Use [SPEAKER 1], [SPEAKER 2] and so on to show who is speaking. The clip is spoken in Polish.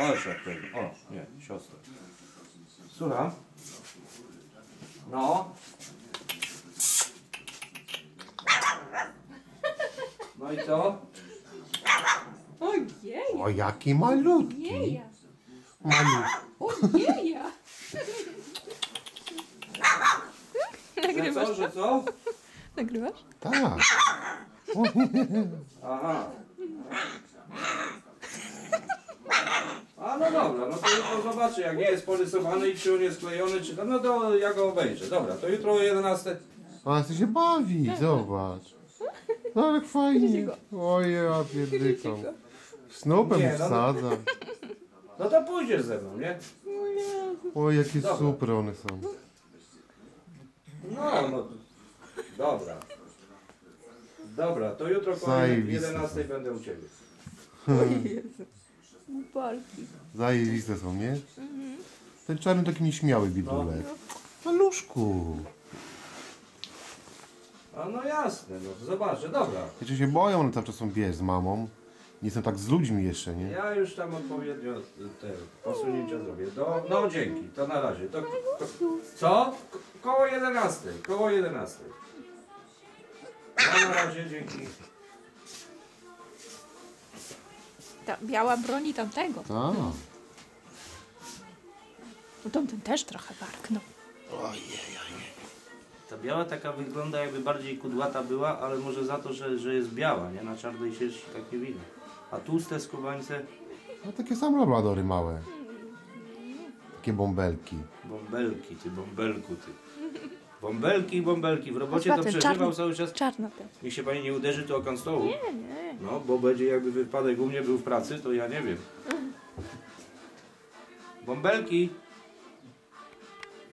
[SPEAKER 1] Chodź jak tego. O, nie, siostra. Słucham? No. No i co?
[SPEAKER 2] Ojej,
[SPEAKER 3] O, jaki malutki.
[SPEAKER 2] jeja,
[SPEAKER 3] Malutki.
[SPEAKER 2] ojeja.
[SPEAKER 1] Że co, że co?
[SPEAKER 2] Nagrywasz?
[SPEAKER 3] Tak.
[SPEAKER 1] Aha. A no dobra, no to jutro zobaczę, jak nie jest porysowany i czy on jest sklejony, czy to, no to ja go obejrzę. Dobra, to jutro o 11.
[SPEAKER 3] A ty się bawi, zobacz. No jak fajnie. Ojej, ja pierdykam. Snopem
[SPEAKER 1] Nie, no,
[SPEAKER 3] wsadzam.
[SPEAKER 1] No to pójdziesz ze mną, nie?
[SPEAKER 3] Oj, jakie
[SPEAKER 1] Dobra.
[SPEAKER 3] super one są.
[SPEAKER 1] No. Dobra. Dobra, to jutro koło
[SPEAKER 3] Zajebiste
[SPEAKER 1] 11 będę u Ciebie.
[SPEAKER 2] Jezu. Balki.
[SPEAKER 3] Zajebiste są, nie? Ten czarny taki nieśmiały bidulek. Maluszku.
[SPEAKER 1] A no jasne, no zobaczę, dobra.
[SPEAKER 3] Wiecie, się boją, one cały czas są, wiesz, z mamą. Nie są tak z ludźmi jeszcze, nie?
[SPEAKER 1] Ja już tam odpowiednio te posunięcia zrobię. No dzięki, to na razie. Co? Koło 11. Koło 11. No, na razie, dzięki.
[SPEAKER 2] Ta biała broni tamtego.
[SPEAKER 3] Tak.
[SPEAKER 2] No tamten też trochę warknął.
[SPEAKER 1] Ta biała taka wygląda, jakby bardziej kudłata była, ale może za to, że jest biała, nie? Na czarnej sierści tak nie widać. A tłuste skubańce,
[SPEAKER 3] No takie same labladory małe. Takie bąbelki.
[SPEAKER 1] bąbelki, ty bąbelku, ty. Bąbelki, w robocie to
[SPEAKER 2] Patrz,
[SPEAKER 1] przeżywał
[SPEAKER 2] czarny.
[SPEAKER 1] cały czas.
[SPEAKER 2] Czarna ten.
[SPEAKER 1] Niech się pani nie uderzy tu o kan stołu.
[SPEAKER 2] Nie.
[SPEAKER 1] No, bo będzie jakby wypadek u mnie był w pracy, to ja nie wiem. Bąbelki.